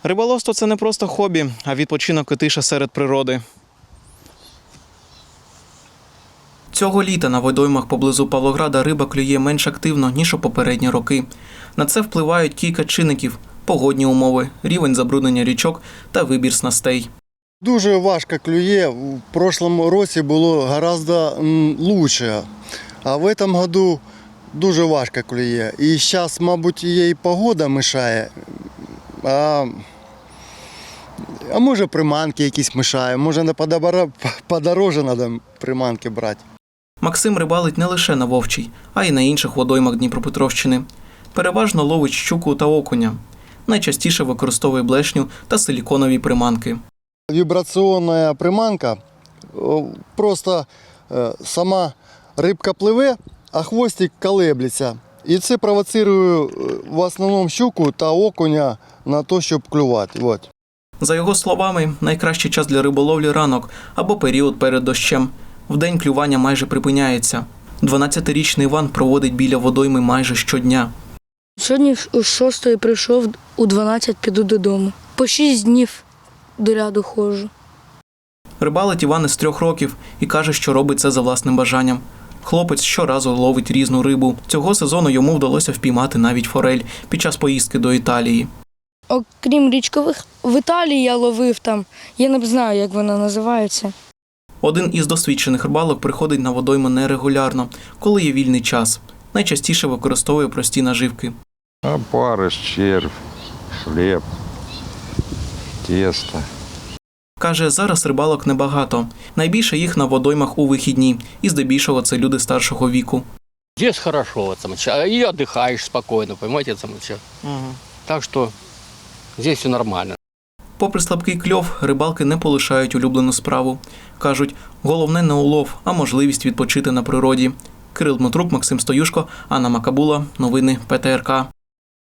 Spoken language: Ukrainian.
Риболовство – це не просто хобі, а відпочинок і тиша серед природи. Цього літа на водоймах поблизу Павлограда риба клює менш активно, ніж у попередні роки. На це впливають кілька чинників – погодні умови, рівень забруднення річок та вибір снастей. Дуже важко клює. В прошлому році було гораздо лучше, а в цьому году дуже важко клює. І зараз, мабуть, їй погода мішає, а може приманки якісь мішають, може подороже треба приманки брати. Максим рибалить не лише на Вовчій, а й на інших водоймах Дніпропетровщини. Переважно ловить щуку та окуня. Найчастіше використовує блешню та силіконові приманки. Вібраційна приманка, просто сама рибка пливе, а хвостик колеблеться. І це провоцирує в основному щуку та окуня на те, щоб клювати. От. За його словами, найкращий час для риболовлі – ранок або період перед дощем. Вдень клювання майже припиняється. 12-річний Іван проводить біля водойми майже щодня. Сьогодні о 6 прийшов, у 12 піду додому. По 6 днів до ряду ходжу. Рибалить Іван із 3 років і каже, що робить це за власним бажанням. Хлопець щоразу ловить різну рибу. Цього сезону йому вдалося впіймати навіть форель під час поїздки до Італії. Окрім річкових, в Італії я ловив там, я не знаю, як вона називається. Один із досвідчених рибалок приходить на водойму нерегулярно, коли є вільний час. Найчастіше використовує прості наживки. Опариш, червь, хліб, тісто. Каже, зараз рибалок небагато. Найбільше їх на водоймах у вихідні. І здебільшого це люди старшого віку. Здесь хорошо, и отдыхаешь спокойно, понимаете, так что здесь все нормально. Попри слабкий кльов, рибалки не полишають улюблену справу. Кажуть, головне не улов, а можливість відпочити на природі. Кирил Дмитрук, Максим Стоюшко, Анна Макабула. Новини ПТРК.